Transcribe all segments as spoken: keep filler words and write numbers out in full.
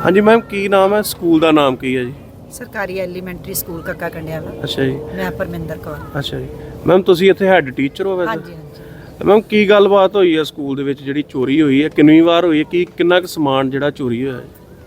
हाँ जी मैम, की नाम है स्कूल का नाम की है जी? ਸਰਕਾਰੀ ਐਲੀਮੈਂਟਰੀ ਸਕੂਲ ਕੱਕਾ ਕੰਡਿਆਲਾ। अच्छा जी। ਮੈਂ ਪਰਮਿੰਦਰ ਕੌਰ। अच्छा जी मैम, ਤੁਸੀਂ ਇੱਥੇ ਹੈੱਡ ਟੀਚਰ ਹੋ ਵੈਸੇ? ਹਾਂਜੀ ਹਾਂਜੀ। ਮੈਮ ਕੀ ਗੱਲਬਾਤ ਹੋਈ ਹੈ ਸਕੂਲ ਦੇ ਵਿੱਚ ਜਿਹੜੀ ਚੋਰੀ ਹੋਈ ਹੈ, ਕਿੰਨੀ ਵਾਰ ਹੋਈ ਹੈ, ਕੀ ਕਿੰਨਾ ਕੁ ਸਮਾਨ ਜਿਹੜਾ ਚੋਰੀ ਹੋਇਆ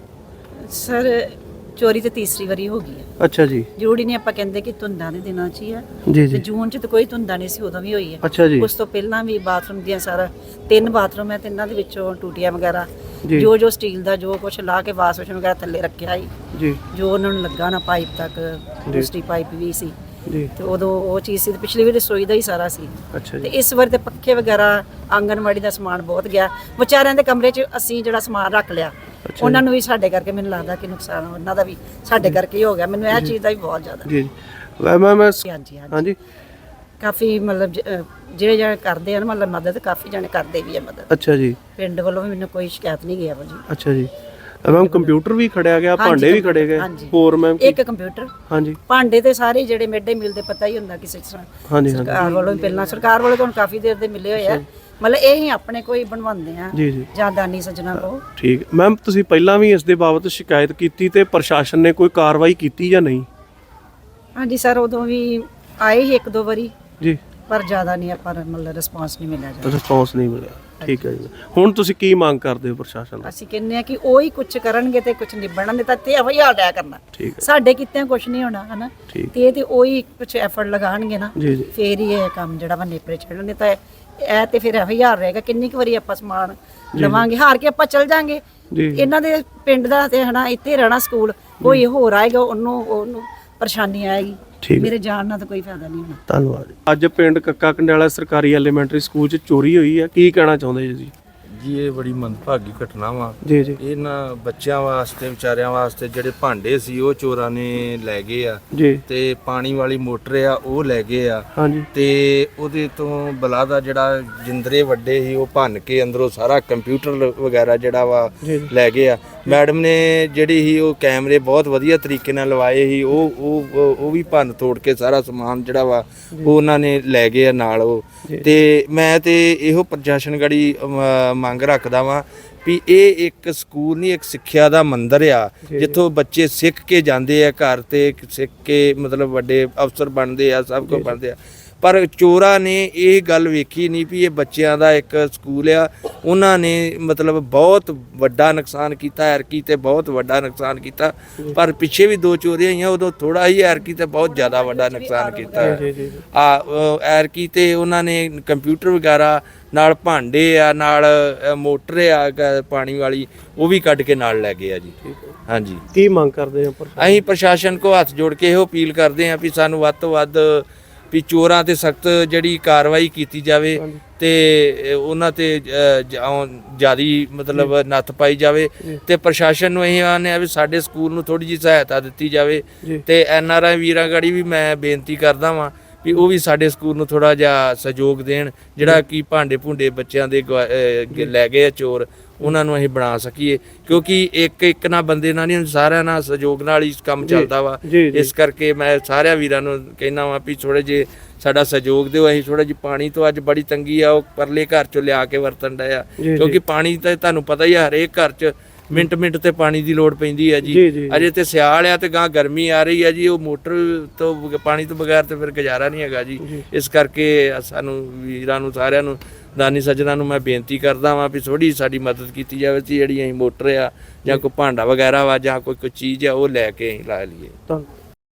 ਹੈ? ਸਰ ਚੋਰੀ ਤੇ ਤੀਸਰੀ ਵਾਰੀ ਹੋ ਗਈ ਹੈ। ਅੱਛਾ ਜੀ। ਜ਼ਰੂਰੀ ਨਹੀਂ ਆਪਾਂ ਕਹਿੰਦੇ ਕਿ ਧੁੰਦਾਂ ਦੇ ਦਿਨਾਂ 'ਚ ਹੀ ਆ, ਜੀ ਤੇ ਜੀ। ਜੂਨ 'ਚ ਤਾਂ ਕੋਈ ਧੁੰਦਾਂ ਨਹੀਂ ਸੀ, ਉਦੋਂ ਵੀ ਹੋਈ ਹੈ। ਅੱਛਾ ਜੀ। ਉਸ ਤੋਂ ਪਹਿਲਾਂ ਵੀ ਬਾਥਰੂਮ ਦੀਆਂ ਸਾਰਾ ਤਿੰਨ ਬਾਥਰੂਮ ਹੈ, ਤਿੰਨਾਂ ਦੇ ਵਿੱਚੋਂ ਟੂਟੀਆਂ ਵਗੈਰਾ ਜੀ। ਜੋ ਜੋ ਸਟੀਲ ਦਾ ਜੋ ਕੁਝ ਲਾ ਕੇ ਵਾਸ਼ ਵੇਸ਼ਨ ਵਗੈਰਾ ਥੱਲੇ ਰੱਖਿਆ ਸੀ, ਜੀ ਜੋ ਉਹਨਾਂ ਨੂੰ ਲੱਗਾ ਨਾ ਪਾਈਪ ਤੱਕ, ਦੂਸਰੀ ਪਾਈਪ ਵੀ ਸੀ ਜੀ। ਤੇ ਉਦੋਂ ਉਹ ਚੀਜ਼ ਸੀ। ਤੇ ਪਿਛਲੀ ਵਾਰੀ ਰਸੋਈ ਦਾ ਹੀ ਸਾਰਾ ਸੀ। ਅੱਛਾ ਤੇ ਜੀ। ਇਸ ਵਾਰ ਤੇ ਪੱਖੇ ਵਗੈਰਾ ਆਂਗਨਵਾੜੀ ਦਾ ਸਮਾਨ ਬਹੁਤ ਗਿਆ। ਵਿਚਾਰਿਆਂ ਦੇ ਕਮਰੇ 'ਚ ਅਸੀਂ ਜਿਹੜਾ ਸਮਾਨ ਰੱਖ ਲਿਆ, ਉਹਨਾਂ ਨੂੰ ਵੀ ਸਾਡੇ ਕਰਕੇ ਮੈਨੂੰ ਲੱਗਦਾ ਕਿ ਨੁਕਸਾਨ ਉਹਨਾਂ ਦਾ ਵੀ ਸਾਡੇ ਕਰਕੇ ਹੀ ਹੋ ਗਿਆ। ਮੈਨੂੰ ਇਹ ਚੀਜ਼ ਦਾ ਵੀ ਬਹੁਤ ਜ਼ਿਆਦਾ। ਜੀ ਮੈਂ ਮੈਂ ਮੈਂ ਹਾਂਜੀ ਹਾਂਜੀ। ਹਾਂਜੀ ਕਾਫੀ ਮਤਲਬ ਜ- ਅਹ ਜਿਹੜੇ ਜਿਹੜੇ ਕਰਦੇ ਹਨ ਮਤਲਬ ਮਦਦ, ਕਾਫੀ ਜਣੇ ਕਰਦੇ ਵੀ ਆ ਮਦਦ। ਅੱਛਾ ਜੀ। ਪਿੰਡ ਵੱਲੋਂ ਵੀ ਮੈਨੂੰ ਕੋਈ ਸ਼ਿਕਾਇਤ ਨਹੀਂ ਗਿਆ ਭਾਜੀ। ਅੱਛਾ ਜੀ ਮੈਮ, ਕੰਪਿਊਟਰ ਵੀ ਖੜਿਆ ਗਿਆ, ਹਾਂਜੀ, ਭਾਂਡੇ ਵੀ ਖੜੇ ਗਏ, ਹਾਂਜੀ। ਹੋਰ ਮੈਮ? ਇੱਕ ਕੰਪਿਊਟਰ, ਹਾਂਜੀ ਭਾਂਡੇ ਤੇ ਸਾਰੇ ਜਿਹੜੇ ਮਿਡ ਡੇ ਮੀਲ ਦੇ ਪਤਾ ਹੀ ਹੁੰਦਾ ਕਿਸੇ ਤਰ੍ਹਾਂ। ਹਾਂਜੀ ਹਾਂਜੀ। ਸਰਕਾਰ ਵੱਲੋਂ ਵੀ ਪਹਿਲਾਂ ਸਰਕਾਰ ਵੱਲੋਂ ਤੁਹਾਨੂੰ ਕਾਫੀ ਦੇਰ ਦੇ ਮਿਲੇ ਹੋਏ ਆ, ਮਤਲਬ ਇਹ ਹੀ ਆਪਣੇ ਕੋਈ ਬਣਵਾਉਂਦੇ ਆ ਜੀ ਜੀ ਜਾਂ ਦਾਨੀ ਸੱਜਣਾ ਕੋ। ਠੀਕ ਮੈਮ, ਤੁਸੀਂ ਪਹਿਲਾਂ ਵੀ ਇਸ ਦੇ ਬਾਬਤ ਸ਼ਿਕਾਇਤ ਕੀਤੀ ਤੇ ਪ੍ਰਸ਼ਾਸਨ ਨੇ ਕੋਈ ਕਾਰਵਾਈ ਕੀਤੀ ਜਾਂ ਨਹੀਂ? ਹਾਂਜੀ ਸਰ, ਉਦੋਂ ਵੀ ਆਏ ਹੀ ਇੱਕ ਦੋ ਵਾਰੀ, ਜੀ। ਪਰ ਜ਼ਿਆਦਾ ਨਹੀਂ ਆਪਾਂ ਨੂੰ ਮਤਲਬ ਰਿਸਪਾਂਸ ਨਹੀਂ ਮਿਲਿਆ ਜਾਂਦਾ। ਰਿਸਪੌਂਸ ਨਹੀਂ ਮਿਲਿਆ। ਠੀਕ ਹੈ ਜੀ। ਹੁਣ ਤੁਸੀਂ ਕੀ ਮੰਗ ਕਰਦੇ ਹੋ ਪ੍ਰਸ਼ਾਸਨ ਤੋਂ? ਅਸੀਂ ਕਹਿੰਦੇ ਆ ਕਿ ਉਹ ਹੀ ਕੁਝ ਕਰਨਗੇ ਤੇ ਕੁਝ ਨਿਭਣਗੇ, ਤਾਂ ਤੇ ਇਹੋ ਹੀ ਹਾਲ ਡਿਆ ਕਰਨਾ। ਠੀਕ ਹੈ। ਸਾਡੇ ਕਿਤਿਆਂ ਕੁਝ ਨਹੀਂ ਹੋਣਾ ਹਨਾ, ਠੀਕ। ਤੇ ਇਹ ਤੇ ਉਹ ਹੀ ਕੁਝ ਐਫਰਟ ਲਗਾਉਣਗੇ ਨਾ, ਜੀ ਜੀ ਫੇਰ ਹੀ ਇਹ ਕੰਮ ਜਿਹੜਾ ਵਾ ਨੇਪਰੇ ਚੜ੍ਹਨੇ। ਤਾਂ ਇਹ ਤੇ ਫਿਰ ਇਹੋ ਹੀ ਹਾਲ ਰਹੇਗਾ। ਕਿੰਨੀ ਕੁ ਵਾਰੀ ਆਪਾਂ ਸਮਾਨ ਲਵਾਂਗੇ, ਹਾਰ ਕੇ ਆਪਾਂ ਚੱਲ ਜਾਾਂਗੇ। ਜੀ ਇਹਨਾਂ ਦੇ ਪਿੰਡ ਦਾ ਤੇ ਹਨਾ ਇੱਥੇ ਰਹਿਣਾ ਸਕੂਲ, ਕੋਈ ਹੋਰ ਆਏਗਾ ਉਹਨੂੰ ਉਹਨੂੰ ਪਰੇਸ਼ਾਨੀ ਆਏਗੀ। ਠੀਕ ਹੈ। ਮੇਰੇ ਜਾਣ ਨਾਲ ਤਾਂ ਕੋਈ ਫਾਇਦਾ ਨਹੀਂ ਹੋਣਾ। ਧੰਨਵਾਦ। ਅੱਜ ਪਿੰਡ ਕੱਕਾ ਕੰਡਿਆਲਾ ਸਰਕਾਰੀ ਐਲੀਮੈਂਟਰੀ ਸਕੂਲ 'ਚ ਚੋਰੀ ਹੋਈ ਹੈ, ਕੀ ਕਹਿਣਾ ਚਾਹੁੰਦੇ ਜੀ? ਜੀ ਇਹ ਬੜੀ ਮੰਦਭਾਗੀ ਘਟਨਾ ਵਾ। ਜੀ ਜੀ ਇਹਨਾਂ ਬੱਚਿਆਂ ਵਾਸਤੇ, ਵਿਚਾਰਿਆਂ ਵਾਸਤੇ ਜਿਹੜੇ ਭਾਂਡੇ ਸੀ ਉਹ ਚੋਰਾਂ ਨੇ ਲੈ ਗਏ ਆ, ਜੀ। ਤੇ ਪਾਣੀ ਵਾਲੀ ਮੋਟਰ ਆ ਉਹ ਲੈ ਗਏ ਆ, ਹਾਂਜੀ ਤੇ ਉਹਦੇ ਤੋਂ ਬਲਾਦਾ ਜਿਹੜਾ ਜਿੰਦਰੇ ਵੱਡੇ ਸੀ ਉਹ ਭੰਨ ਕੇ ਅੰਦਰੋਂ ਸਾਰਾ ਕੰਪਿਊਟਰ ਵਗੈਰਾ ਜਿਹੜਾ ਵਾ ਜੀ। ਲੈ ਗਏ ਆ। ਮੈਡਮ ਨੇ ਜਿਹੜੀ ਸੀ ਉਹ ਕੈਮਰੇ ਬਹੁਤ ਵਧੀਆ ਤਰੀਕੇ ਨਾਲ ਲਵਾਏ ਸੀ, ਉਹ ਉਹ ਉਹ ਵੀ ਭੰਨ ਤੋੜ ਕੇ ਸਾਰਾ ਸਮਾਨ ਜਿਹੜਾ ਵਾ ਉਹ ਉਹਨਾਂ ਨੇ ਲੈ ਗਏ ਆ ਨਾਲ ਉਹ। ਤੇ ਮੈਂ ਤੇ ਇਹੋ ਪ੍ਰਸ਼ਾਸਨ ਗੜੀ ਮੰਗ ਰੱਖਦਾ ਵਾਂ ਵੀ ਇਹ ਇੱਕ ਸਕੂਲ ਨਹੀਂ, ਇੱਕ ਸਿੱਖਿਆ ਦਾ ਮੰਦਿਰ ਆ, ਜਿੱਥੋਂ ਬੱਚੇ ਸਿੱਖ ਕੇ ਜਾਂਦੇ ਆ, ਘਰ ਤੇ ਸਿੱਖ ਕੇ ਮਤਲਬ ਵੱਡੇ ਅਫਸਰ ਬਣਦੇ ਆ, ਸਭ ਕੁਝ ਬਣਦੇ ਆ। ਪਰ ਚੋਰਾਂ ਨੇ ਇਹ ਗੱਲ ਵੇਖੀ ਨਹੀਂ ਵੀ ਇਹ ਬੱਚਿਆਂ ਦਾ ਇੱਕ ਸਕੂਲ ਆ। ਉਹਨਾਂ ਨੇ ਮਤਲਬ ਬਹੁਤ ਵੱਡਾ ਨੁਕਸਾਨ ਕੀਤਾ, ਐਰਕੀ ਤੇ ਬਹੁਤ ਵੱਡਾ ਨੁਕਸਾਨ ਕੀਤਾ। ਪਰ ਪਿੱਛੇ ਵੀ ਦੋ ਚੋਰੀਆਂ ਹੋਈਆਂ, ਉਦੋਂ ਥੋੜਾ ਹੀ, ਐਰਕੀ ਤੇ ਬਹੁਤ ਜ਼ਿਆਦਾ ਵੱਡਾ ਨੁਕਸਾਨ ਕੀਤਾ ਆ। ਐਰਕੀ ਤੇ ਉਹਨਾਂ ਨੇ ਕੰਪਿਊਟਰ ਵਗੈਰਾ ਨਾਲ ਭਾਂਡੇ ਆ, ਨਾਲ ਮੋਟਰ ਆ ਪਾਣੀ ਵਾਲੀ, ਉਹ ਵੀ ਕੱਢ ਕੇ ਨਾਲ ਲੈ ਗਏ ਆ ਜੀ। ਹਾਂਜੀ। ਕੀ ਮੰਗ ਕਰਦੇ ਹੋ? ਅਸੀਂ ਪ੍ਰਸ਼ਾਸਨ ਕੋ ਹੱਥ ਜੋੜ ਕੇ ਇਹੋ ਅਪੀਲ ਕਰਦੇ ਹਾਂ ਵੀ ਸਾਨੂੰ ਵੱਧ ਤੋਂ ਵੱਧ ਵੀ ਚੋਰਾਂ ਤੇ ਸਖਤ ਜਿਹੜੀ ਕਾਰਵਾਈ ਕੀਤੀ ਜਾਵੇ, ਤੇ ਉਹਨਾਂ ਤੇ ਜਿਆਦੀ ਮਤਲਬ ਨੱਥ ਪਾਈ ਜਾਵੇ। ਤੇ ਪ੍ਰਸ਼ਾਸਨ ਨੂੰ ਇਹ ਆਨੇ ਆ ਵੀ ਸਾਡੇ ਸਕੂਲ ਨੂੰ ਥੋੜੀ ਜਿਹੀ ਸਹਾਇਤਾ ਦਿੱਤੀ ਜਾਵੇ। ਤੇ ਐਨ ਆਰ ਆਈ ਵੀਰਾਂ ਗੜੀ ਵੀ ਮੈਂ ਬੇਨਤੀ ਕਰਦਾ ਵਾਂ ਵੀ ਉਹ ਵੀ ਸਾਡੇ ਸਕੂਲ ਨੂੰ ਥੋੜਾ ਜਿਹਾ ਸਹਿਯੋਗ ਦੇਣ, ਜਿਹੜਾ ਕਿ ਭਾਂਡੇ ਭੁੰਡੇ ਬੱਚਿਆਂ ਦੇ ਲੈ ਗਏ ਆ ਚੋਰ, ਉਹਨਾਂ ਨੂੰ ਅਸੀਂ ਬਣਾ ਸਕੀਏ। ਕਿਉਂਕਿ ਇੱਕ ਇੱਕ ਨਾ ਬੰਦੇ ਨਾਲ ਨਹੀਂ, ਸਾਰਿਆਂ ਨਾਲ ਸਹਿਯੋਗ ਨਾਲ ਹੀ ਕੰਮ ਚੱਲਦਾ ਵਾ। ਇਸ ਕਰਕੇ ਮੈਂ ਸਾਰਿਆਂ ਵੀਰਾਂ ਨੂੰ ਕਹਿਣਾ ਵਾ ਵੀ ਥੋੜੇ ਜਿਹੇ ਸਾਡਾ ਸਹਿਯੋਗ ਦਿਓ। ਅਸੀਂ ਥੋੜਾ ਜਿਹੀ ਪਾਣੀ ਤੋਂ ਅੱਜ ਬੜੀ ਤੰਗੀ ਆ, ਉਹ ਪਰਲੇ ਘਰ ਚੋਂ ਲਿਆ ਕੇ ਵਰਤਣ ਡਏ ਆ, ਕਿਉਂਕਿ ਪਾਣੀ ਤਾਂ ਤੁਹਾਨੂੰ ਪਤਾ ਹੀ ਆ ਹਰੇਕ ਘਰ 'ਚ ਮਿੰਟ ਮਿੰਟ ਤੇ ਪਾਣੀ ਦੀ ਲੋੜ ਪੈਂਦੀ ਹੈ ਜੀ। ਅਜੇ ਤੇ ਸਿਆਲ ਆ ਤੇ ਗਾਂ ਗਰਮੀ ਆ ਰਹੀ ਹੈ ਜੀ, ਉਹ ਮੋਟਰ ਤੋਂ ਪਾਣੀ ਤੋਂ ਬਗੈਰ ਤੇ ਫਿਰ ਗੁਜ਼ਾਰਾ ਨਹੀਂ ਹੈਗਾ ਜੀ। ਇਸ ਕਰਕੇ ਸਾਨੂੰ ਵੀਰਾਂ ਨੂੰ, ਸਾਰਿਆਂ ਨੂੰ, ਦਾਨੀ ਸੱਜਣਾ ਨੂੰ ਮੈਂ ਬੇਨਤੀ ਕਰਦਾ ਵਾਂ ਵੀ ਥੋੜੀ ਸਾਡੀ ਮਦਦ ਕੀਤੀ ਜਾਵੇ ਸੀ। ਜਿਹੜੀ ਅਸੀਂ ਮੋਟਰ ਆ ਜਾਂ ਕੋਈ ਭਾਂਡਾ ਵਗੈਰਾ ਵਾ ਜਾਂ ਕੋਈ ਕੋਈ ਚੀਜ਼ ਆ ਉਹ ਲੈ ਕੇ ਅਸੀਂ ਲਾ ਲਈਏ।